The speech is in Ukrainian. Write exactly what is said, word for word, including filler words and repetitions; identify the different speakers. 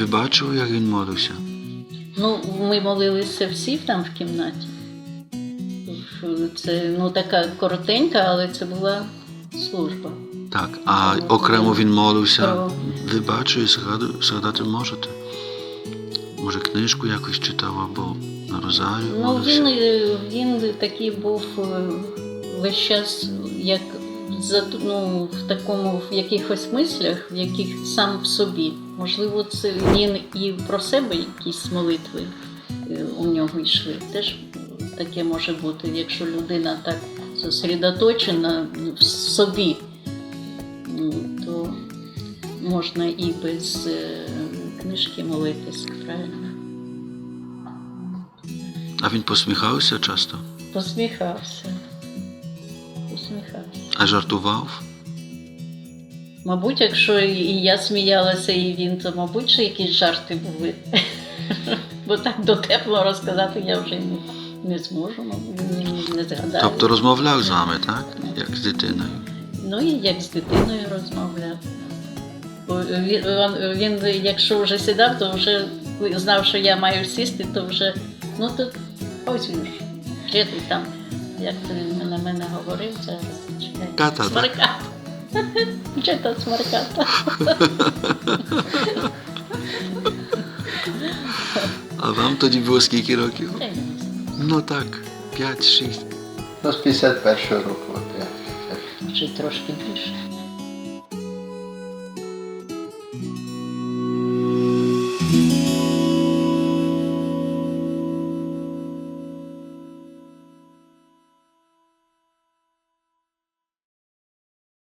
Speaker 1: Ви бачили, як він молився?
Speaker 2: Ну, ми молилися всі там в кімнаті. Це, ну, така коротенька, але це була служба.
Speaker 1: Так, а окремо він молився.
Speaker 2: Про-
Speaker 1: Ви бачили, згаду- згадати можете? Може, книжку якось читав або на розарію
Speaker 2: Ну,
Speaker 1: молився?
Speaker 2: він, е, він такий був е, весь час, як за- ну, в такому, в якихось мислях, в яких сам в собі. Можливо, це він і про себе якісь молитви е, у нього йшли. Теж таке може бути, якщо людина так зосередоточена в собі, ну, то можна і без е, книжки молитися, правильно?
Speaker 1: А він посміхався часто?
Speaker 2: Посміхався. Посміхався.
Speaker 1: А жартував?
Speaker 2: Мабуть, якщо і я сміялася, і він, то, мабуть, що якісь жарти були. Бо так дотепло розказати я вже не, не зможу, мабуть, не, не згадаю.
Speaker 1: Тобто розмовляв з вами, так? Як з дитиною?
Speaker 2: Ну і як з дитиною розмовляв. Бо Він, він, він, якщо вже сідав, то вже знав, що я маю сісти, то вже, ну то ось він ж, де ти там, як то він на мене говорив, зараз, чекай.
Speaker 1: Ката, так?
Speaker 2: Смарката. Чи то смарката.
Speaker 1: А вам тоді було скільки років?
Speaker 2: Я не знаю.
Speaker 1: Ну так, п'ять-шість.
Speaker 3: Ну, з п'ятдесят першого року. От я.
Speaker 2: Чи трошки більше.
Speaker 3: Thank